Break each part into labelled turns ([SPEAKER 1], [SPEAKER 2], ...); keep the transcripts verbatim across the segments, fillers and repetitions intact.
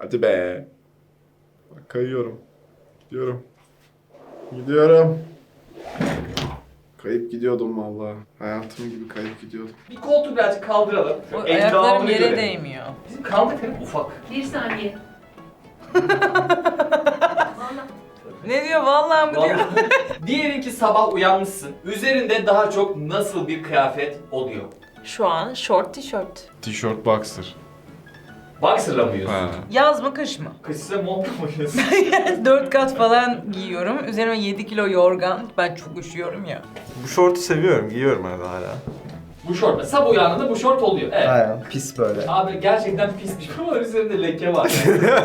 [SPEAKER 1] Hadi be. Bak kayıyorum. Gidiyorum. Gidiyorum. Kayıp gidiyordum vallahi. Hayatım gibi kayıp gidiyordum.
[SPEAKER 2] Bir koltuğu birazcık kaldıralım.
[SPEAKER 3] O
[SPEAKER 2] Şöyle
[SPEAKER 3] ayaklarım
[SPEAKER 2] endamını
[SPEAKER 3] yere
[SPEAKER 2] görelim.
[SPEAKER 3] değmiyor.
[SPEAKER 2] Bizim kaldık hep ufak.
[SPEAKER 4] Bir saniye. Vallahi.
[SPEAKER 3] Ne diyor vallahi mı diyor?
[SPEAKER 2] Vallahi. Diyelim ki sabah uyanmışsın. Üzerinde daha çok nasıl bir kıyafet oluyor?
[SPEAKER 5] Şu an short tişört.
[SPEAKER 1] Tişört boxer.
[SPEAKER 2] Boxer'la mı yiyorsun?
[SPEAKER 1] Ha.
[SPEAKER 3] Yaz mı kış mı?
[SPEAKER 2] Kışsa montla mı yiyorsun?
[SPEAKER 3] Dört kat falan giyiyorum. Üzerime yedi kilo yorgan. Ben çok üşüyorum ya.
[SPEAKER 6] Bu şortu seviyorum, giyiyorum arada hala.
[SPEAKER 2] Bu şort. Sabah uyandığında bu şort oluyor. Evet.
[SPEAKER 6] Aynen, pis böyle.
[SPEAKER 2] Abi gerçekten pismiş ama üzerinde leke var.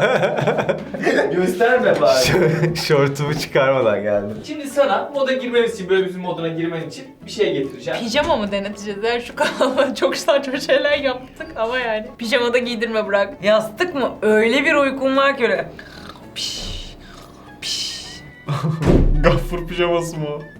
[SPEAKER 2] Gösterme bari.
[SPEAKER 6] Şortumu çıkarmadan geldim.
[SPEAKER 2] Şimdi sana moda girmemiz için, böyle bizim moduna girmen için bir şey getireceğim.
[SPEAKER 5] Pijama mı deneteceğiz? Yani şu kanalda çok saçma şeyler yaptık ama yani. Pijamada giydirme bırak.
[SPEAKER 3] Yastık mı? Öyle bir uykum var ki öyle. Piş, piş.
[SPEAKER 1] Gaffur pijaması mı o?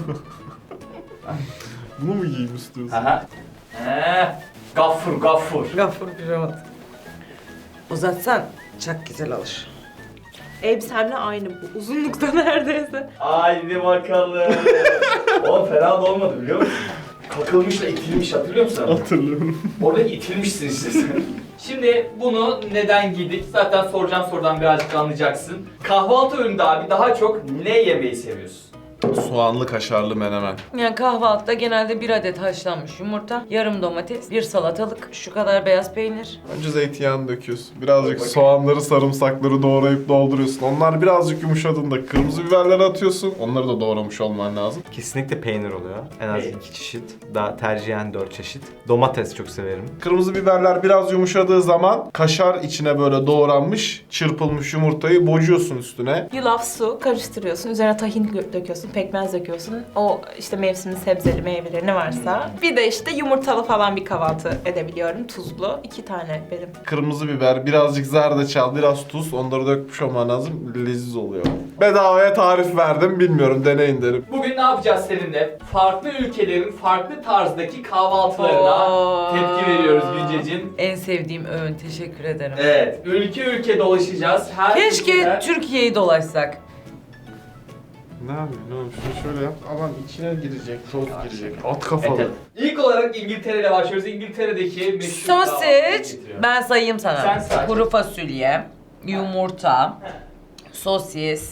[SPEAKER 1] Bunu mu giyeyim istiyorsun?
[SPEAKER 2] Aha. He. Gaffur, gaffur.
[SPEAKER 3] Gafur pijaması. Uzatsan çok güzel olur.
[SPEAKER 5] Elbisemle aynı bu. Uzunlukta neredeyse.
[SPEAKER 2] Haydi bakalım. Oğlum fena da olmadı biliyor musun? Kakılmışla itilmiş hatırlıyor musun?
[SPEAKER 1] Hatırlıyorum.
[SPEAKER 2] Orada itilmişsin işte sen. Şimdi bunu neden giydik? Zaten soracağım sorudan birazcık anlayacaksın. Kahvaltı öğünde abi daha çok ne yemeyi seviyorsun?
[SPEAKER 1] Soğanlı kaşarlı menemen.
[SPEAKER 3] Yani kahvaltıda genelde bir adet haşlanmış yumurta, yarım domates, bir salatalık, şu kadar beyaz peynir.
[SPEAKER 1] Önce zeytinyağını döküyorsun. Birazcık
[SPEAKER 2] Bak.
[SPEAKER 1] soğanları, sarımsakları doğrayıp dolduruyorsun. Onlar birazcık yumuşadığında kırmızı biberleri atıyorsun. Onları da doğramış olman lazım.
[SPEAKER 6] Kesinlikle peynir oluyor. En az
[SPEAKER 2] Peynir.
[SPEAKER 6] iki çeşit. Daha tercihen dört çeşit. Domates çok severim.
[SPEAKER 1] Kırmızı biberler biraz yumuşadığı zaman kaşar içine böyle doğranmış, çırpılmış yumurtayı bocuyorsun üstüne.
[SPEAKER 5] Yulaf, su karıştırıyorsun. Üzerine tahin gö- döküyorsun, pekmez döküyorsun. O işte mevsimin sebzeli meyveleri ne varsa. Bir de işte yumurtalı falan bir kahvaltı edebiliyorum. Tuzlu. İki tane benim.
[SPEAKER 1] Kırmızı biber, birazcık zerdeçal, biraz tuz. Onları dökmüş olman lazım. Leziz oluyor. Bedavaya tarif verdim. Bilmiyorum, deneyin derim.
[SPEAKER 2] Bugün ne yapacağız seninle? Farklı ülkelerin farklı tarzdaki kahvaltılarına
[SPEAKER 3] Oo.
[SPEAKER 2] tepki veriyoruz Güncecim.
[SPEAKER 3] En sevdiğim öğün, teşekkür ederim.
[SPEAKER 2] Evet, ülke ülke dolaşacağız. Her
[SPEAKER 3] Keşke
[SPEAKER 2] ülkeden-
[SPEAKER 3] Türkiye'yi dolaşsak.
[SPEAKER 1] Ne yapayım? Ne yapayım? Şunu şöyle yap. Aman içine girecek, toz girecek. At
[SPEAKER 2] Evet,
[SPEAKER 1] kafalı.
[SPEAKER 2] evet. İlk olarak İngiltere ile başlıyoruz. İngiltere'deki meşhur kahvaltıyı
[SPEAKER 3] Sosis,
[SPEAKER 2] getiriyorum.
[SPEAKER 3] ben sayayım sana.
[SPEAKER 2] Sen say.
[SPEAKER 3] Kuru fasulye, yumurta, sosis.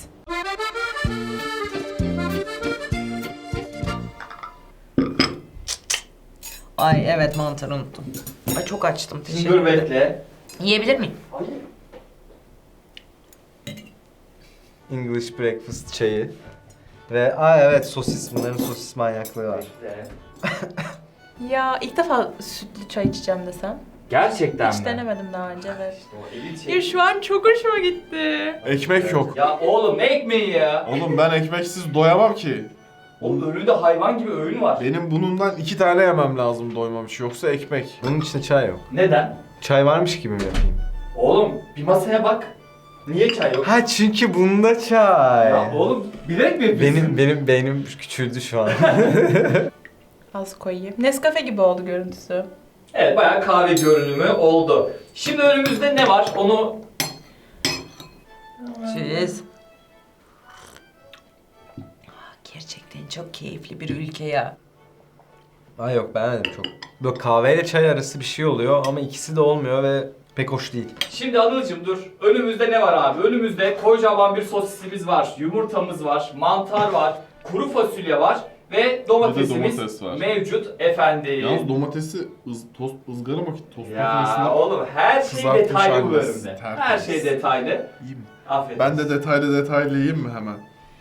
[SPEAKER 3] Ay evet, mantarı unuttum. Ay çok açtım,
[SPEAKER 2] Şimdi
[SPEAKER 3] teşekkür
[SPEAKER 2] dur
[SPEAKER 3] ederim.
[SPEAKER 2] bekle.
[SPEAKER 3] Yiyebilir miyim?
[SPEAKER 6] English breakfast çayı. Ve aa evet sosis. Bunların sosis manyaklığı var.
[SPEAKER 2] Bekle.
[SPEAKER 5] Ya ilk defa sütlü çay içeceğim desem.
[SPEAKER 2] Gerçekten
[SPEAKER 5] Hiç
[SPEAKER 2] mi?
[SPEAKER 5] denemedim daha önce, evet.
[SPEAKER 2] İşte o elit
[SPEAKER 5] Ya
[SPEAKER 2] şey.
[SPEAKER 5] şu an çok hoşuma gitti.
[SPEAKER 1] Ekmek yok.
[SPEAKER 2] Ya oğlum ne ekmeği ya?
[SPEAKER 1] Oğlum ben ekmeksiz doyamam ki.
[SPEAKER 2] Oğlum önünde hayvan gibi öğün var.
[SPEAKER 1] Benim bunundan iki tane yemem lazım doymamış. Yoksa ekmek.
[SPEAKER 6] Bunun içinde çay yok.
[SPEAKER 2] Neden?
[SPEAKER 6] Çay varmış gibi mi yapayım?
[SPEAKER 2] Oğlum bir masaya bak. Niye çay yok?
[SPEAKER 6] Ha çünkü bunda çay.
[SPEAKER 2] Ya oğlum bilerek mi yapıyorsun?
[SPEAKER 6] Benim benim beynim küçüldü şu an.
[SPEAKER 5] Az koyayım. Nescafe gibi oldu görüntüsü.
[SPEAKER 2] Evet bayağı kahve görünümü oldu. Şimdi önümüzde ne var? Onu
[SPEAKER 3] Cheers. Gerçekten çok keyifli bir ülke ya.
[SPEAKER 6] Ay yok beğenmedim çok. Böyle kahveyle çay arası bir şey oluyor ama ikisi de olmuyor ve pek hoş değil.
[SPEAKER 2] Şimdi Anıl'cım dur. Önümüzde ne var abi? Önümüzde kocaman bir sosisimiz var, yumurtamız var, mantar var, kuru fasulye var ve domatesimiz
[SPEAKER 1] domates var.
[SPEAKER 2] mevcut efendim.
[SPEAKER 1] Yalnız domatesi ız, tost, ızgara mı tost
[SPEAKER 2] Ya
[SPEAKER 1] makinesinde
[SPEAKER 2] oğlum her şey
[SPEAKER 1] kızartmış
[SPEAKER 2] detaylı bu
[SPEAKER 1] haliniz.
[SPEAKER 2] bölümde.
[SPEAKER 1] Tertemiz.
[SPEAKER 2] Her şey detaylı.
[SPEAKER 1] yiyeyim.
[SPEAKER 2] Aferin.
[SPEAKER 1] Ben de detaylı detaylı yiyeyim mi hemen?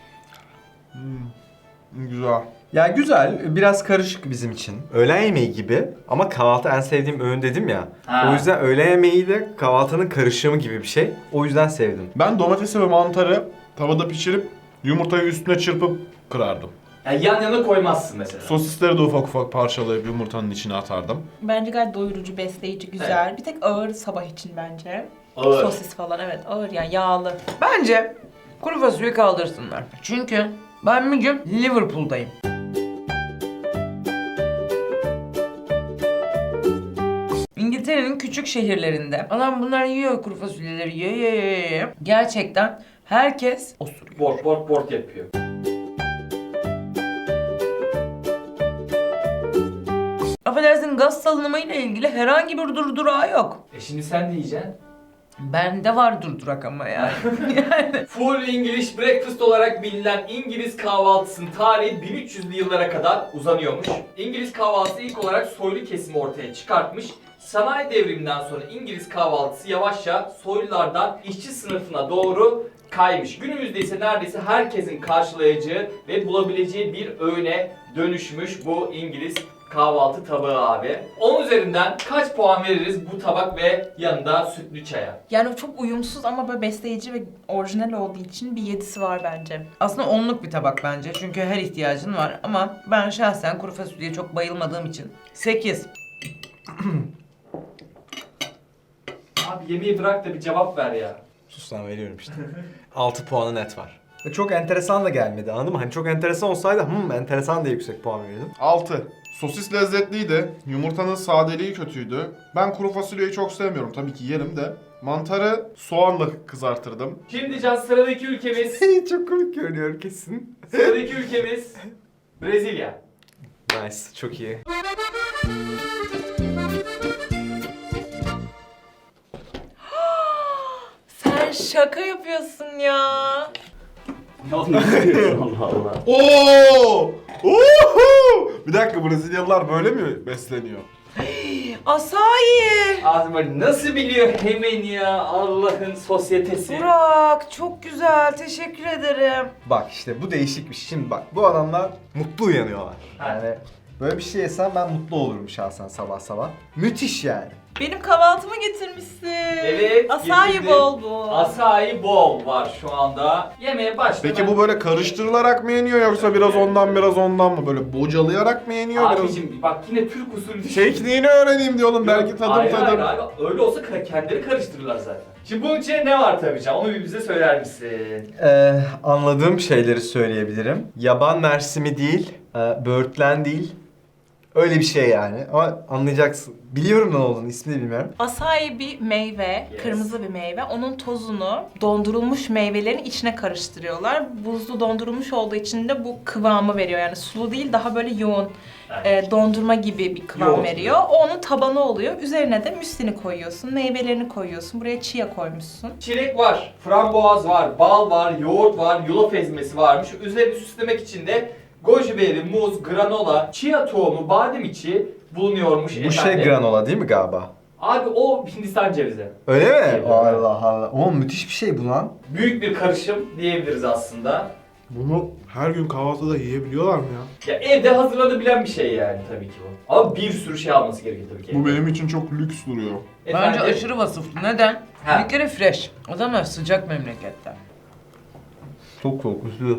[SPEAKER 1] Hmm. Güzel.
[SPEAKER 6] Ya güzel, biraz karışık bizim için. Öğlen yemeği gibi ama kahvaltı en sevdiğim öğün dedim ya.
[SPEAKER 2] Ha.
[SPEAKER 6] O yüzden öğlen yemeği de kahvaltının karışımı gibi bir şey. O yüzden sevdim.
[SPEAKER 1] Ben domatesi ve mantarı tavada pişirip yumurtayı üstüne çırpıp kırardım.
[SPEAKER 2] Yani yan yana koymazsın mesela.
[SPEAKER 1] Sosisleri de ufak ufak parçalayıp yumurtanın içine atardım.
[SPEAKER 5] Bence gayet doyurucu, besleyici, güzel. Bir tek ağır sabah için bence.
[SPEAKER 2] Ağır.
[SPEAKER 5] Sosis falan, evet ağır yani yağlı.
[SPEAKER 3] Bence kuru fasulye kaldırsınlar. Çünkü ben bir gün Liverpool'dayım. İngiltere'nin küçük şehirlerinde adam bunlar yiyor kuru fasulyeleri yiyor yiyor yiyor, yiyor. Gerçekten herkes osuruyor.
[SPEAKER 2] Bort bort bort yapıyor.
[SPEAKER 3] Affedersin gaz salınımıyla ilgili herhangi bir durdurağı yok.
[SPEAKER 2] E şimdi sen de yiyeceksin.
[SPEAKER 3] Bende var durdurak ama yani.
[SPEAKER 2] Full English Breakfast olarak bilinen İngiliz kahvaltısının tarihi bin üç yüzlü yıllara kadar uzanıyormuş. İngiliz kahvaltısı ilk olarak soylu kesimi ortaya çıkartmış. Sanayi devriminden sonra İngiliz kahvaltısı yavaşça soylulardan işçi sınıfına doğru kaymış. Günümüzde ise neredeyse herkesin karşılayacağı ve bulabileceği bir öğüne dönüşmüş bu İngiliz kahvaltı tabağı abi. on üzerinden kaç puan veririz bu tabak ve yanında sütlü çaya?
[SPEAKER 5] Yani çok uyumsuz ama böyle besleyici ve orijinal olduğu için bir yedisi var bence.
[SPEAKER 3] Aslında onluk bir tabak bence çünkü her ihtiyacın var ama ben şahsen kuru fasulyeye çok bayılmadığım için sekiz.
[SPEAKER 2] Abi yemeği bırak da bir cevap ver ya.
[SPEAKER 6] Sus lan veriyorum işte. altı puanı net var. Ve çok enteresan da gelmedi anladın mı? Hani çok enteresan olsaydı hımm enteresan diye yüksek puan verirdim.
[SPEAKER 1] altı. Sosis lezzetliydi. Yumurtanın sadeliği kötüydü. Ben kuru fasulyeyi çok sevmiyorum. Tabii ki yerim de. Mantarı soğanla kızartırdım.
[SPEAKER 2] Şimdi Can sıradaki ülkemiz,
[SPEAKER 6] Çok komik görünüyor kesin.
[SPEAKER 2] sıradaki ülkemiz Brezilya.
[SPEAKER 6] Nice, çok iyi.
[SPEAKER 5] Sen şaka yapıyorsun ya.
[SPEAKER 2] Allah Allah.
[SPEAKER 1] Oo! Oho! Bir dakika, Brezilyalılar böyle mi besleniyor?
[SPEAKER 5] Asayi.
[SPEAKER 2] Azma nasıl biliyor hemen ya Allah'ın sosyetesi.
[SPEAKER 3] Burak çok güzel teşekkür ederim.
[SPEAKER 6] Bak işte bu değişik bir şey. Şimdi bak bu adamlar mutlu uyanıyorlar. Yani böyle bir şey yesem ben mutlu olurum şahsen sabah sabah. Müthiş yani.
[SPEAKER 5] Benim kahvaltımı getirmişsin.
[SPEAKER 2] Evet,
[SPEAKER 5] Asayi
[SPEAKER 2] getirdim.
[SPEAKER 5] bol bu.
[SPEAKER 2] Acai bowl var şu anda. Yemeğe başla.
[SPEAKER 1] Peki bu böyle karıştırılarak mı yeniyor yoksa biraz ondan biraz ondan mı? Böyle bocalayarak mı yeniyor biraz?
[SPEAKER 2] Abicim bak yine Türk usulü.
[SPEAKER 1] Tekniğini öğreneyim diyor oğlum, belki tadım
[SPEAKER 2] hayır,
[SPEAKER 1] tadım.
[SPEAKER 2] Hayır abi öyle olsa ka- kendileri karıştırırlar zaten. Şimdi bunun içine ne var tabii Can? Onu bir bize söyler misin?
[SPEAKER 6] Ee, anladığım şeyleri söyleyebilirim. Yaban mersimi değil, e, böğürtlen değil. Öyle bir şey yani ama anlayacaksın. Biliyorum ne olduğunu, ismini bilmiyorum.
[SPEAKER 5] Asayi bir meyve,
[SPEAKER 2] Yes.
[SPEAKER 5] kırmızı bir meyve. Onun tozunu dondurulmuş meyvelerin içine karıştırıyorlar. Buzlu dondurulmuş olduğu için de bu kıvamı veriyor. Yani sulu değil, daha böyle yoğun,
[SPEAKER 2] Evet.
[SPEAKER 5] e, dondurma gibi bir kıvam
[SPEAKER 2] Yoğurt.
[SPEAKER 5] veriyor. O onun tabanı oluyor. Üzerine de müslini koyuyorsun, meyvelerini koyuyorsun. Buraya chia koymuşsun.
[SPEAKER 2] Çilek var, frambuaz var, bal var, yoğurt var, yulaf ezmesi varmış. Üzerini süslemek için de goji berry, muz, granola, chia tohumu, badem içi bulunuyormuş
[SPEAKER 6] Bu
[SPEAKER 2] efendim.
[SPEAKER 6] şey granola değil mi galiba?
[SPEAKER 2] Abi o Hindistan cevizi.
[SPEAKER 6] Öyle mi?
[SPEAKER 2] Evet.
[SPEAKER 6] Allah Allah. Oğlum müthiş bir şey bu lan.
[SPEAKER 2] Büyük bir karışım diyebiliriz aslında.
[SPEAKER 1] Bunu her gün kahvaltıda yiyebiliyorlar mı ya?
[SPEAKER 2] Ya evde hazırlanabilen bir şey yani tabii ki bu. Ama bir sürü şey alması gerekiyor tabii ki.
[SPEAKER 1] Bu benim için çok lüks duruyor.
[SPEAKER 3] Bence
[SPEAKER 2] Efendim?
[SPEAKER 3] aşırı vasıflı. Neden?
[SPEAKER 2] Ha.
[SPEAKER 3] Bir kere fresh. Adamlar sıcak memlekette.
[SPEAKER 6] Çok soğuk, üstü.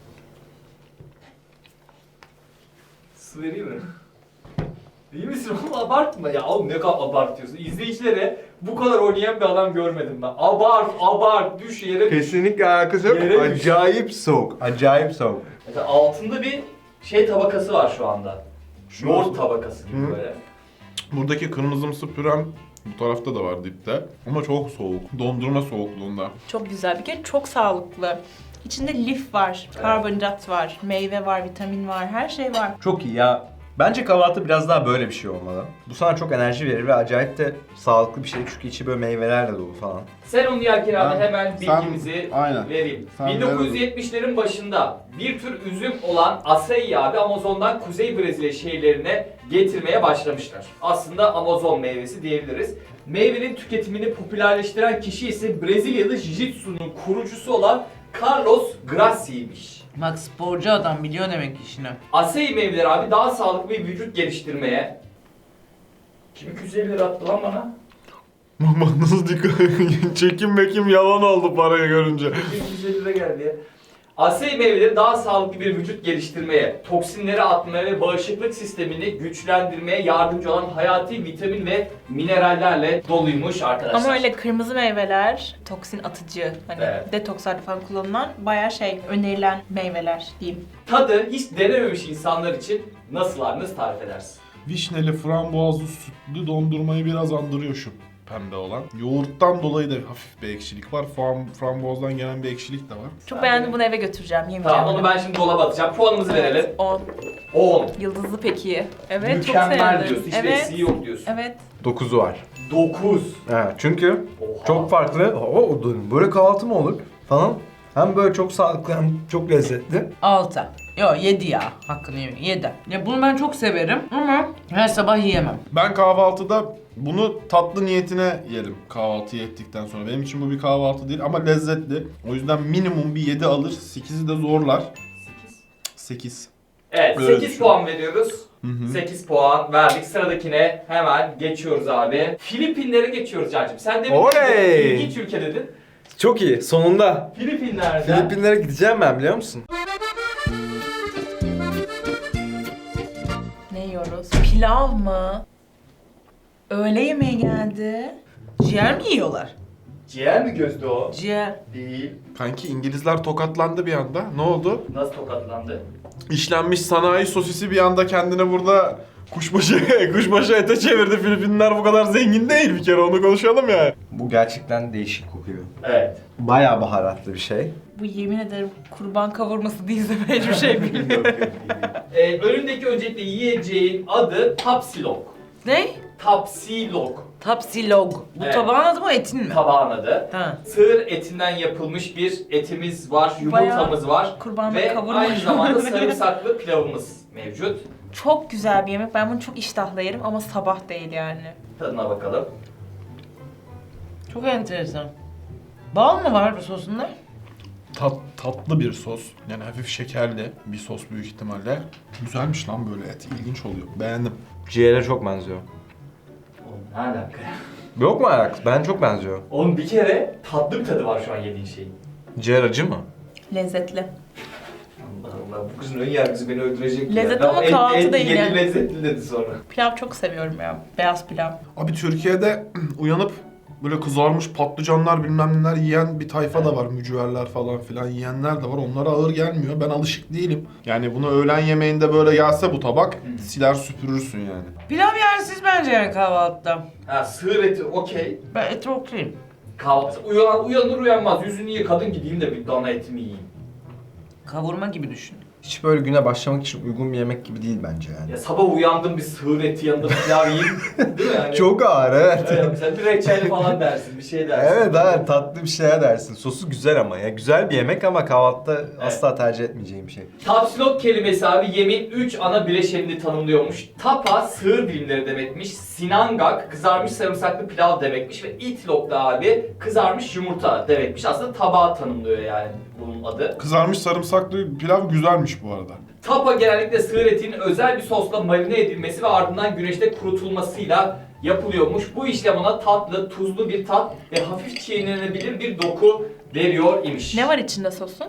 [SPEAKER 2] Su vereyim mi? İyi misin oğlum, abartma ya oğlum, ne kadar abartıyorsun. İzleyicilere bu kadar oynayan bir adam görmedim ben. Abart, abart, düş yere düş.
[SPEAKER 6] Kesinlikle alakası yok.
[SPEAKER 2] Yere düş.
[SPEAKER 6] Acayip soğuk. Acayip soğuk.
[SPEAKER 2] Mesela altında bir şey tabakası var şu anda. Yoğurt tabakası gibi
[SPEAKER 1] Hı.
[SPEAKER 2] böyle.
[SPEAKER 1] Buradaki kırmızımsı pürem bu tarafta da var dipte. Ama çok soğuk. Dondurma soğukluğunda.
[SPEAKER 5] Çok güzel. Bir kere çok sağlıklı. İçinde lif var, karbonhidrat var, meyve var, vitamin var, her şey var.
[SPEAKER 6] Çok iyi ya. Bence kahvaltı biraz daha böyle bir şey olmalı. Bu sana çok enerji verir ve acayip de sağlıklı bir şey çünkü içi böyle meyvelerle dolu falan.
[SPEAKER 2] Sen onu yerken abi
[SPEAKER 1] Ben-
[SPEAKER 2] hemen
[SPEAKER 1] sen-
[SPEAKER 2] bilgimizi
[SPEAKER 1] aynen.
[SPEAKER 2] vereyim.
[SPEAKER 1] Sen
[SPEAKER 2] bin dokuz yüz yetmişlerin başında bir tür üzüm olan acai abi Amazon'dan Kuzey Brezilya şehirlerine getirmeye başlamışlar. Aslında Amazon meyvesi diyebiliriz. Meyvenin tüketimini popülerleştiren kişi ise Brezilyalı Jiu-Jitsu'nun kurucusu olan Carlos Gracia'ymış.
[SPEAKER 3] Bak sporcu adam biliyor demek işini.
[SPEAKER 2] Acai meyveleri abi daha sağlıklı bir vücut geliştirmeye... Kim iki yüz elli lira attı lan bana?
[SPEAKER 1] Bak nasıl dikkat. Çekim mekim yalan oldu parayı görünce.
[SPEAKER 2] iki yüz elli lira geldi ya. Acai meyveleri daha sağlıklı bir vücut geliştirmeye, toksinleri atmaya ve bağışıklık sistemini güçlendirmeye yardımcı olan hayati vitamin ve minerallerle doluymuş arkadaşlar.
[SPEAKER 5] Ama öyle kırmızı meyveler toksin atıcı, hani
[SPEAKER 2] Evet.
[SPEAKER 5] detokslarda falan kullanılan bayağı şey önerilen meyveler diyeyim.
[SPEAKER 2] Tadı hiç denememiş insanlar için nasıl abi, nasıl tarif edersin?
[SPEAKER 1] Vişneli, frambuazlı, sütlü dondurmayı biraz andırıyor şu pembe olan. Yoğurttan dolayı da hafif bir ekşilik var. Fram, frambuazdan gelen bir ekşilik de var.
[SPEAKER 5] Çok beğendim, bunu eve götüreceğim, yemeyeceğim.
[SPEAKER 2] Tamam onu ben şimdi dolaba atacağım. Puanımızı verelim.
[SPEAKER 5] on.
[SPEAKER 2] on.
[SPEAKER 5] Yıldızlı peki. Evet, çok
[SPEAKER 2] Mükemmel
[SPEAKER 5] sevdim.
[SPEAKER 2] diyorsun. Hiçbir
[SPEAKER 5] Evet.
[SPEAKER 2] eksiği yok diyorsun.
[SPEAKER 5] Evet.
[SPEAKER 6] dokuzu var.
[SPEAKER 2] dokuz.
[SPEAKER 6] Evet, çünkü
[SPEAKER 2] Oha.
[SPEAKER 6] çok farklı. Oo, böyle kahvaltı mı olur falan. Hem böyle çok sağlıklı hem çok lezzetli.
[SPEAKER 3] altı. Yo yedi ya. Hakkını yemeyeyim. yedi. Ya bunu ben çok severim ama her sabah yiyemem.
[SPEAKER 1] Ben kahvaltıda bunu tatlı niyetine yerim kahvaltıyı ettikten sonra. Benim için bu bir kahvaltı değil ama lezzetli. O yüzden minimum bir yedi alır. sekizi de zorlar. sekiz.
[SPEAKER 2] Evet
[SPEAKER 1] Böyle
[SPEAKER 2] sekiz
[SPEAKER 1] düşün.
[SPEAKER 2] puan veriyoruz.
[SPEAKER 1] Hı hı.
[SPEAKER 2] sekiz puan verdik. Sıradakine hemen geçiyoruz abi. Filipinlere geçiyoruz Can'cığım. Sen de
[SPEAKER 6] Oley!
[SPEAKER 2] ilginç ülke dedin.
[SPEAKER 6] Çok iyi. Sonunda.
[SPEAKER 2] Filipinler'den
[SPEAKER 6] Filipinlere gideceğim ben, biliyor musun?
[SPEAKER 5] Ne yiyoruz? Pilav mı? Öğle yemeği geldi.
[SPEAKER 3] Ciğer mi yiyorlar?
[SPEAKER 2] ciğer mi gözde o?
[SPEAKER 3] Ciğer.
[SPEAKER 2] Değil.
[SPEAKER 1] Kanki İngilizler tokatlandı bir anda. Ne oldu?
[SPEAKER 2] Nasıl tokatlandı?
[SPEAKER 1] İşlenmiş sanayi sosisi bir anda kendine burada kuşbaşı kuşbaşı ete çevirdi. Filipinler bu kadar zengin değil, bir kere onu konuşalım ya.
[SPEAKER 6] Bu gerçekten değişik kokuyor.
[SPEAKER 2] Evet.
[SPEAKER 6] Bayağı baharatlı bir şey.
[SPEAKER 5] Bu yemin ederim kurban kavurması değilse ben hiçbir şey bilmiyorum.
[SPEAKER 2] Ee, önündeki öncelikle yiyeceğin adı Tapsilog.
[SPEAKER 3] Ne?
[SPEAKER 2] Tapsilog.
[SPEAKER 3] Tapsilog. Bu
[SPEAKER 2] Evet.
[SPEAKER 3] tabağın adı mı etin mi?
[SPEAKER 2] Tabağın adı.
[SPEAKER 3] Ha.
[SPEAKER 2] Sığır etinden yapılmış bir etimiz var, yumurtamız var
[SPEAKER 5] Kurbanlık
[SPEAKER 2] ve
[SPEAKER 5] kavurma.
[SPEAKER 2] aynı zamanda sarımsaklı pilavımız mevcut.
[SPEAKER 5] Çok güzel bir yemek. Ben bunu çok iştahla yerim ama sabah değil yani.
[SPEAKER 2] Tadına bakalım.
[SPEAKER 3] Çok enteresan. Bal mı var bu sosunda?
[SPEAKER 1] Tat, tatlı bir sos. Yani hafif şekerli bir sos büyük ihtimalle. Güzelmiş lan böyle et. İlginç oluyor. Beğendim.
[SPEAKER 6] Ciğere çok benziyor.
[SPEAKER 2] Oğlum ne alaka ya?
[SPEAKER 6] Yok mu alakası? Ben çok benziyor.
[SPEAKER 2] Oğlum bir kere tatlı bir tadı var şu an yediğin şeyin.
[SPEAKER 6] Ciğer acı mı?
[SPEAKER 5] Lezzetli.
[SPEAKER 2] Allah Allah bu kızın ön yargısı beni öldürecek
[SPEAKER 5] Lezzet
[SPEAKER 2] ya.
[SPEAKER 5] ama
[SPEAKER 2] en-
[SPEAKER 5] kahvaltı
[SPEAKER 2] en
[SPEAKER 5] değil
[SPEAKER 2] yedi
[SPEAKER 5] yani.
[SPEAKER 2] lezzetli dedi sonra.
[SPEAKER 5] Pilav çok seviyorum ya. Beyaz pilav.
[SPEAKER 1] Abi Türkiye'de uyanıp böyle kızarmış patlıcanlar bilmem neler yiyen bir tayfa da var. Mücverler falan filan yiyenler de var. Onlara ağır gelmiyor. Ben alışık değilim. Yani bunu öğlen yemeğinde böyle gelse bu tabak siler süpürürsün yani.
[SPEAKER 3] Pilav yersiz bence yani kahvaltıda.
[SPEAKER 2] Ha sığır eti okey.
[SPEAKER 3] Ben eti okuyayım.
[SPEAKER 2] Kahvaltı uyan, uyanır uyanmaz yüzünü yıkadın gideyim de bir dana etimi yiyeyim.
[SPEAKER 3] Kavurma gibi düşün.
[SPEAKER 6] Hiç böyle güne başlamak için uygun bir yemek gibi değil bence yani.
[SPEAKER 2] Ya sabah uyandım bir sığır eti yanında pilav yiyeyim değil mi yani?
[SPEAKER 6] Çok ağır, evet.
[SPEAKER 2] Evet, mesela bir reçel falan dersin, bir şey dersin.
[SPEAKER 6] Evet, evet, tatlı bir şeye dersin. Sosu güzel ama ya. Güzel bir yemek ama kahvaltıda asla tercih etmeyeceğim bir şey.
[SPEAKER 2] Tapsilog kelimesi abi yemeğin üç ana bileşenini tanımlıyormuş. Tapa sığır dilimleri demekmiş. Sinangak kızarmış sarımsaklı pilav demekmiş ve itlog da abi kızarmış yumurta demekmiş. Aslında tabağı tanımlıyor yani bunun adı.
[SPEAKER 1] Kızarmış sarımsaklı pilav güzelmiş bu arada.
[SPEAKER 2] Tapa genellikle sığır etinin özel bir sosla marine edilmesi ve ardından güneşte kurutulmasıyla yapılıyormuş. Bu işlem ona tatlı, tuzlu bir tat ve hafif çiğnenebilir bir doku veriyor imiş.
[SPEAKER 5] Ne var içinde sosun?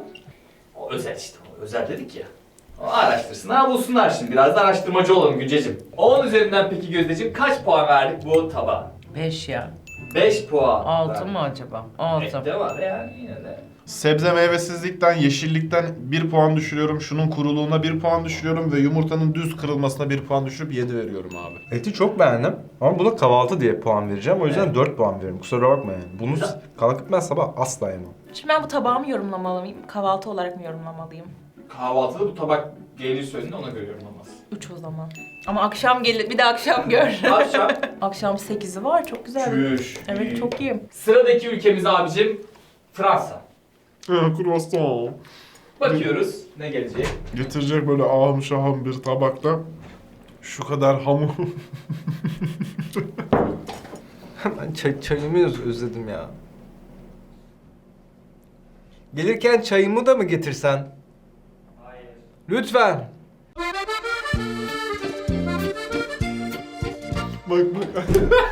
[SPEAKER 2] O özel işte, o özel dedik ya. O araştırsınlar, bulsunlar şimdi. Biraz da araştırmacı olalım Günceciğim. on üzerinden peki Gözdeciğim kaç puan verdik bu tabağa?
[SPEAKER 3] beş ya.
[SPEAKER 2] beş puan.
[SPEAKER 3] altı
[SPEAKER 2] verdik.
[SPEAKER 3] mı acaba? altı.
[SPEAKER 2] Ette var yani yine de.
[SPEAKER 1] Sebze meyvesizlikten, yeşillikten bir puan düşürüyorum. Şunun kuruluğuna bir puan düşürüyorum ve yumurtanın düz kırılmasına bir puan düşürüp yedi veriyorum abi.
[SPEAKER 6] Eti çok beğendim ama buna kahvaltı diye puan vereceğim. O yüzden
[SPEAKER 2] Evet.
[SPEAKER 6] dört puan veriyorum. Kusura bakma yani. Bunu
[SPEAKER 2] Güzel.
[SPEAKER 6] kalkıp ben sabah asla yemem.
[SPEAKER 5] Şimdi ben bu tabağı mı yorumlamalıyım? Kahvaltı olarak mı yorumlamalıyım?
[SPEAKER 2] Kahvaltıda bu tabak gelir söylediğinde ona göre yorumlamaz.
[SPEAKER 5] üç o zaman. Ama akşam gelir, bir de akşam gör.
[SPEAKER 2] Akşam.
[SPEAKER 5] Akşam sekizi var, çok güzel.
[SPEAKER 2] Çüş.
[SPEAKER 5] Evet, çok iyi.
[SPEAKER 2] Sıradaki ülkemiz abicim Fransa.
[SPEAKER 1] Croissant.
[SPEAKER 2] Bakıyoruz ne gelecek.
[SPEAKER 1] Getirecek böyle ahım şahım bir tabakta şu kadar hamur.
[SPEAKER 6] Ben çay, çayımı öz- özledim ya. Gelirken çayımı da mı getirsen?
[SPEAKER 2] Hayır.
[SPEAKER 6] Lütfen.
[SPEAKER 1] Bak bak.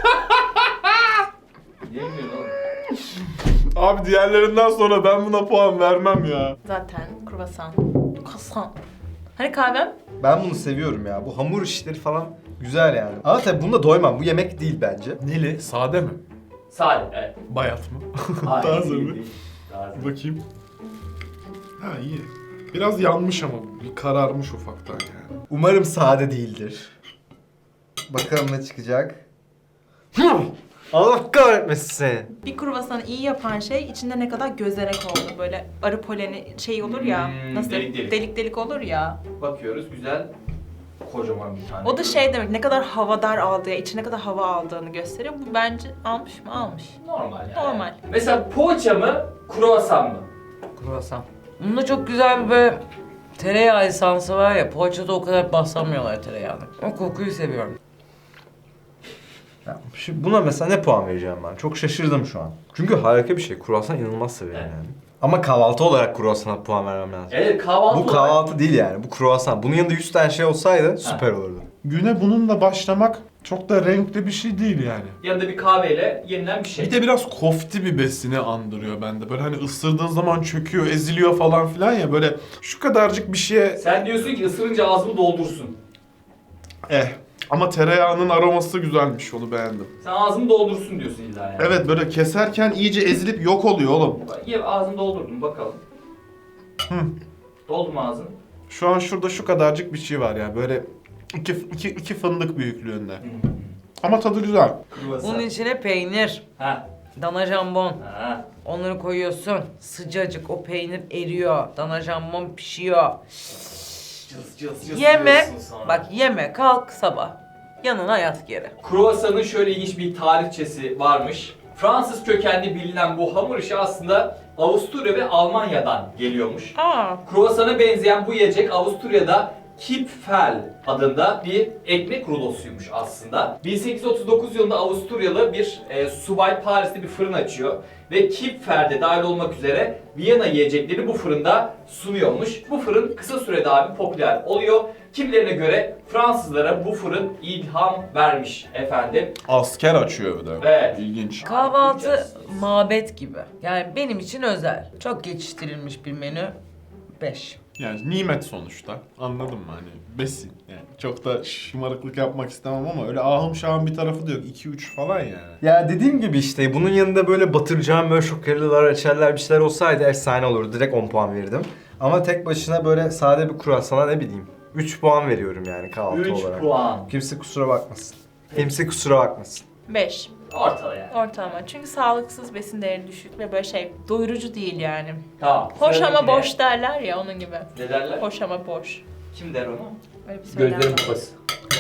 [SPEAKER 2] Yemiyor oğlum.
[SPEAKER 1] Abi diğerlerinden sonra ben buna puan vermem ya.
[SPEAKER 5] Zaten kruvasan. Kruvasan. Hani kahvem?
[SPEAKER 6] Ben bunu seviyorum ya. Bu hamur işleri falan güzel yani. Ama tabii bunda doymam. Bu yemek değil bence.
[SPEAKER 1] Neli? Sade mi?
[SPEAKER 2] Sade evet.
[SPEAKER 1] Bayat mı?
[SPEAKER 2] Hayır,
[SPEAKER 1] Taze
[SPEAKER 2] değil,
[SPEAKER 1] mi?
[SPEAKER 2] değil. Taze.
[SPEAKER 1] Bakayım. Ha iyi. Biraz yanmış ama bir kararmış ufaktan yani.
[SPEAKER 6] Umarım sade değildir. Bakalım ne çıkacak. Allah kahretmesin seni.
[SPEAKER 5] Bir kruvasanı iyi yapan şey içinde ne kadar gözerek oldu. Böyle arı poleni şey olur ya.
[SPEAKER 2] Hmm,
[SPEAKER 5] nasıl
[SPEAKER 2] delik delik.
[SPEAKER 5] delik delik olur ya.
[SPEAKER 2] Bakıyoruz güzel kocaman bir tane.
[SPEAKER 5] O da şey demek, ne kadar havadar aldığı, içine ne kadar hava aldığını gösteriyor. Bu bence almış mı? Almış.
[SPEAKER 2] Normal yani.
[SPEAKER 5] Normal.
[SPEAKER 2] Mesela poğaça mı, kruvasan mı?
[SPEAKER 3] Kruvasan. Bunda çok güzel bir böyle tereyağı esansı var ya, poğaçada o kadar basamıyorlar tereyağını. O kokuyu seviyorum.
[SPEAKER 6] Ya, şu- buna mesela ne puan vereceğim ben? Çok şaşırdım şu an. Çünkü harika bir şey. Kruvasan inanılmaz severim
[SPEAKER 2] Evet.
[SPEAKER 6] yani. Ama kahvaltı olarak kruvasana puan vermem lazım.
[SPEAKER 2] Evet kahvaltı
[SPEAKER 6] Bu
[SPEAKER 2] olarak-
[SPEAKER 6] kahvaltı değil yani. Bu kruvasan. Bunun yanında yüz tane şey olsaydı süper olurdu.
[SPEAKER 1] Güne bununla başlamak çok da renkli bir şey değil yani.
[SPEAKER 2] Yanında bir kahveyle yenilen bir şey.
[SPEAKER 1] Bir de biraz kofti bir besini andırıyor bende. Böyle hani ısırdığın zaman çöküyor, eziliyor falan filan ya. Böyle şu kadarcık bir şeye
[SPEAKER 2] Sen diyorsun ki ısırınca ağzımı doldursun.
[SPEAKER 1] eh. Ama tereyağının aroması güzelmiş, onu beğendim.
[SPEAKER 2] Sen ağzımı doldursun diyorsun illa yani.
[SPEAKER 1] Evet, böyle keserken iyice ezilip yok oluyor oğlum.
[SPEAKER 2] Ye ağzını doldurdum bakalım.
[SPEAKER 1] Hı.
[SPEAKER 2] Doldu mu ağzını?
[SPEAKER 1] Şu an şurada şu kadarcık bir şey var ya, böyle iki, iki, iki fındık büyüklüğünde. Ama tadı güzel.
[SPEAKER 2] Kruvasan.
[SPEAKER 3] Bunun içine peynir,
[SPEAKER 2] Ha.
[SPEAKER 3] dana jambon.
[SPEAKER 2] Ha.
[SPEAKER 3] Onları koyuyorsun. Sıcacık o peynir eriyor. Dana jambon pişiyor.
[SPEAKER 2] Cız cız cız
[SPEAKER 3] Yeme.
[SPEAKER 2] diyorsun sonra.
[SPEAKER 3] Bak yeme. Kalk sabah. Yanına yat geri.
[SPEAKER 2] Kruvasanın şöyle ilginç bir tarihçesi varmış. Fransız kökenli bilinen bu hamur işi aslında Avusturya ve Almanya'dan geliyormuş.
[SPEAKER 5] Aa.
[SPEAKER 2] Kruvasana benzeyen bu yiyecek Avusturya'da Kipfel adında bir ekmek rulosuymuş aslında. bin sekiz yüz otuz dokuz yılında Avusturyalı bir e, subay Paris'te bir fırın açıyor ve Kipfer'de dahil olmak üzere Viyana yiyecekleri bu fırında sunuyormuş. Bu fırın kısa sürede abi popüler oluyor. Kimilerine göre Fransızlara bu fırın ilham vermiş efendim.
[SPEAKER 1] Asker açıyor bir de.
[SPEAKER 2] Evet.
[SPEAKER 1] İlginç.
[SPEAKER 3] Kahvaltı mabet gibi. Yani benim için özel. Çok geçiştirilmiş bir menü. beş.
[SPEAKER 1] Yani nimet sonuçta. Anladın mı hani? Besin. Yani çok da şımarıklık yapmak istemem ama öyle ahım şahım bir tarafı da yok. iki üç falan yani.
[SPEAKER 6] Ya dediğim gibi işte bunun yanında böyle batıracağım böyle şokerliler, reçeller bir şeyler olsaydı efsane olurdu. Direkt on puan verirdim. Ama tek başına böyle sade bir kruvasana ne bileyim. üç puan veriyorum yani kahvaltı
[SPEAKER 2] üç
[SPEAKER 6] olarak.
[SPEAKER 2] puan.
[SPEAKER 6] Kimse kusura bakmasın. Kimse kusura bakmasın.
[SPEAKER 5] Beş.
[SPEAKER 2] Ortada yani.
[SPEAKER 5] Ortalama. Çünkü sağlıksız, besin değeri düşük ve böyle şey doyurucu değil yani.
[SPEAKER 2] Tamam.
[SPEAKER 5] Hoş ama
[SPEAKER 2] sıradakine-
[SPEAKER 5] boş derler ya, onun gibi.
[SPEAKER 2] Ne derler?
[SPEAKER 5] Hoş ama boş.
[SPEAKER 2] Kim der onu?
[SPEAKER 5] Öyle bir söylem
[SPEAKER 2] Gözlerim
[SPEAKER 5] var.
[SPEAKER 2] kupası.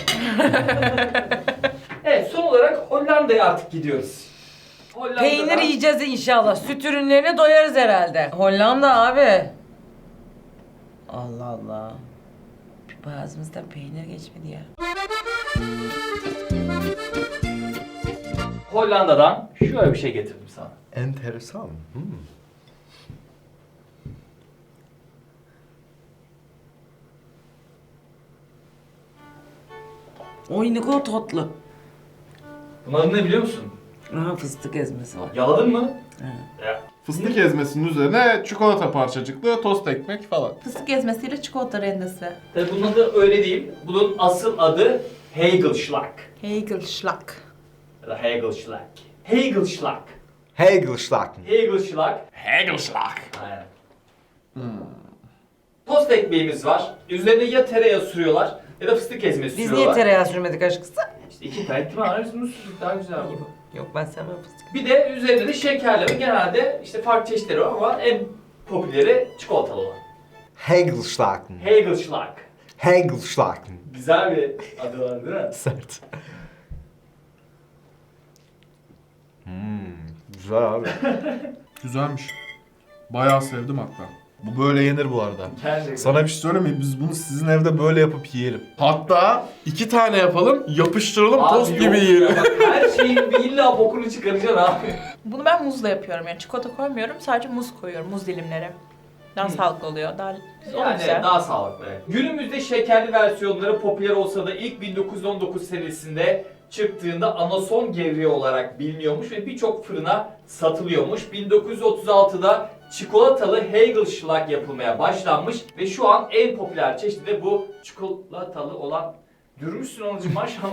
[SPEAKER 2] Evet, son olarak Hollanda'ya artık gidiyoruz. Hollanda'da...
[SPEAKER 3] Peynir yiyeceğiz inşallah. Süt ürünlerine doyarız herhalde. Hollanda abi. Allah Allah. Bir boğazımızdan peynir geçmedi ya.
[SPEAKER 2] Hollanda'dan şöyle bir şey getirdim sana.
[SPEAKER 6] Enteresan. Hmm.
[SPEAKER 3] Oy ne kadar tatlı.
[SPEAKER 2] Bunun adı ne biliyor musun?
[SPEAKER 3] Aha fıstık ezmesi var.
[SPEAKER 2] Yaladın mı?
[SPEAKER 3] Evet.
[SPEAKER 2] Ya.
[SPEAKER 1] Fıstık ezmesinin üzerine çikolata parçacıklı tost ekmek falan.
[SPEAKER 5] Fıstık ezmesiyle çikolata rendesi.
[SPEAKER 2] Tabii bunun adı öyle değil. Bunun asıl adı Hagelschlag.
[SPEAKER 5] Hagelschlag.
[SPEAKER 2] Ya da Hagelschlag. Hagelschlag.
[SPEAKER 6] Hagelschlag.
[SPEAKER 2] Hagelschlag.
[SPEAKER 1] Hagelschlag.
[SPEAKER 2] Aynen. Tost ekmeğimiz var. Üzerine ya tereyağı sürüyorlar ya da fıstık ezmesi
[SPEAKER 3] Biz
[SPEAKER 2] sürüyorlar.
[SPEAKER 3] niye tereyağı sürmedik aşkısı?
[SPEAKER 2] İşte iki tane ihtimal var. Biz bunu sürdük daha güzel olur.
[SPEAKER 3] Yok ben sevmem fıstık.
[SPEAKER 2] Bir de üzerinde de şekerleme, genelde işte farklı çeşitleri var ama en popüleri çikolatalı olan.
[SPEAKER 6] Hagelschlag.
[SPEAKER 2] Hagelschlag.
[SPEAKER 6] Hagelschlag.
[SPEAKER 2] Güzel bir adı var değil mi?
[SPEAKER 6] Sert. Hmm, güzel abi.
[SPEAKER 1] Güzelmiş. Bayağı sevdim hatta. Bu böyle yenir bu arada.
[SPEAKER 2] Gerçekten.
[SPEAKER 1] Sana bir şey söyleyeyim mi? Biz bunu sizin evde böyle yapıp yiyelim. Hatta iki tane yapalım, yapıştıralım,
[SPEAKER 2] Abi
[SPEAKER 1] tost
[SPEAKER 2] yok
[SPEAKER 1] gibi
[SPEAKER 2] ya,
[SPEAKER 1] yiyelim.
[SPEAKER 2] bak her şeyin bir illa bokunu çıkaracaksın abi.
[SPEAKER 5] Bunu ben muzla yapıyorum yani. Çikolata koymuyorum, sadece muz koyuyorum, muz dilimleri. Daha
[SPEAKER 2] Hı.
[SPEAKER 5] sağlıklı oluyor, daha güzel.
[SPEAKER 2] Yani
[SPEAKER 5] güzel.
[SPEAKER 2] daha sağlıklı. Evet. Günümüzde şekerli versiyonları popüler olsa da ilk bin dokuz yüz on dokuz senesinde çıktığında anason gevreği olarak biliniyormuş ve birçok fırına satılıyormuş. bin dokuz yüz otuz altıda çikolatalı Hagelschlag yapılmaya başlanmış ve şu an en popüler çeşidi de bu çikolatalı olan. Dürmüşsün alıcım maşallah.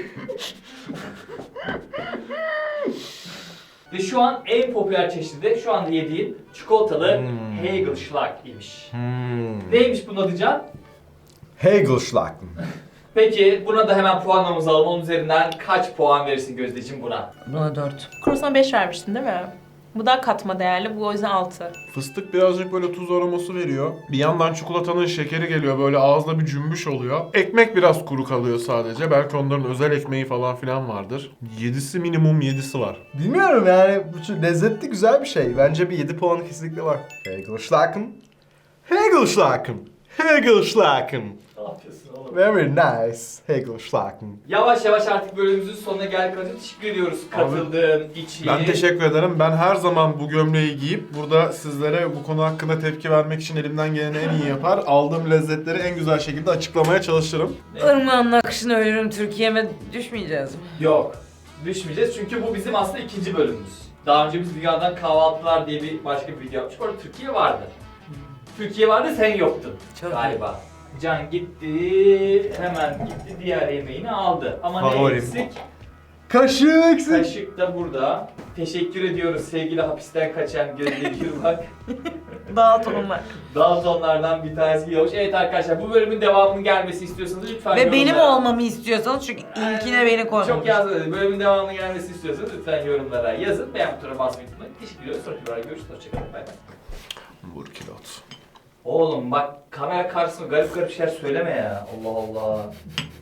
[SPEAKER 2] Ve şu an en popüler çeşidi de şu anda yediğin çikolatalı
[SPEAKER 6] Hmm.
[SPEAKER 2] Hagelschlag imiş.
[SPEAKER 6] Hmm.
[SPEAKER 2] Neymiş bunun adı Can?
[SPEAKER 6] Hagelschlag.
[SPEAKER 2] Peki buna da hemen puanlamamızı alalım. Onun üzerinden kaç puan verirsin Gözdeciğim buna?
[SPEAKER 3] Buna dört.
[SPEAKER 5] Kurosana beş vermiştin değil mi? Bu da katma değerli. Bu o yüzden altı.
[SPEAKER 1] Fıstık birazcık böyle tuz aroması veriyor. Bir yandan çikolatanın şekeri geliyor, böyle ağızda bir cümbüş oluyor. Ekmek biraz kuru kalıyor sadece. Belki onların özel ekmeği falan filan vardır. Yedisi minimum yedisi var.
[SPEAKER 6] Bilmiyorum yani bu çok lezzetli güzel bir şey. Bence bir yedi puanı kesinlikle var. Hegelschlagen. Hegelschlagen. Hegelschlagen.
[SPEAKER 2] Ne yapıyorsun oğlum?
[SPEAKER 6] Very nice. Hegelschlagen.
[SPEAKER 2] Yavaş yavaş artık bölümümüzün sonuna geldik. Hacı teşekkür ediyoruz katıldığın için.
[SPEAKER 1] Ben teşekkür ederim. Ben her zaman bu gömleği giyip burada sizlere bu konu hakkında tepki vermek için elimden geleni en iyi yapar. Aldığım lezzetleri en güzel şekilde açıklamaya çalışırım.
[SPEAKER 3] Irmağın akışına ölürüm, Türkiye'me düşmeyeceğiz mi?
[SPEAKER 2] Yok. Düşmeyeceğiz çünkü bu bizim aslında ikinci bölümümüz. Daha önce biz Dünyadan Kahvaltılar diye bir başka bir video yapmıştık. Orada Türkiye vardı. Türkiye vardı, sen yoktun
[SPEAKER 3] Çok
[SPEAKER 2] galiba. Can gitti, hemen gitti diğer yemeğini aldı. Ama ne
[SPEAKER 6] Favorim.
[SPEAKER 2] eksik?
[SPEAKER 6] Kaşık eksik.
[SPEAKER 2] Kaşık da burada. Teşekkür ediyoruz sevgili hapisten kaçan Gözde Gürbak.
[SPEAKER 5] Daltonlar.
[SPEAKER 2] Daltonlardan bir tanesi geliyormuş. Evet arkadaşlar, bu bölümün devamının gelmesi istiyorsanız lütfen
[SPEAKER 3] Ve benim
[SPEAKER 2] yorumlara-
[SPEAKER 3] olmamı istiyorsanız çünkü ilkine beni koymamış.
[SPEAKER 2] Çok yazmadı. Bölümün devamının gelmesi istiyorsanız lütfen yorumlara yazın. Beğen butonuna basmayı unutmayın. Teşekkür ediyoruz. Sonraki videoda görüşürüz. Hoşçakalın. Bay bay.
[SPEAKER 1] Vur kilot.
[SPEAKER 2] Oğlum bak, kamera karşısında garip garip şeyler söyleme ya. Allah Allah.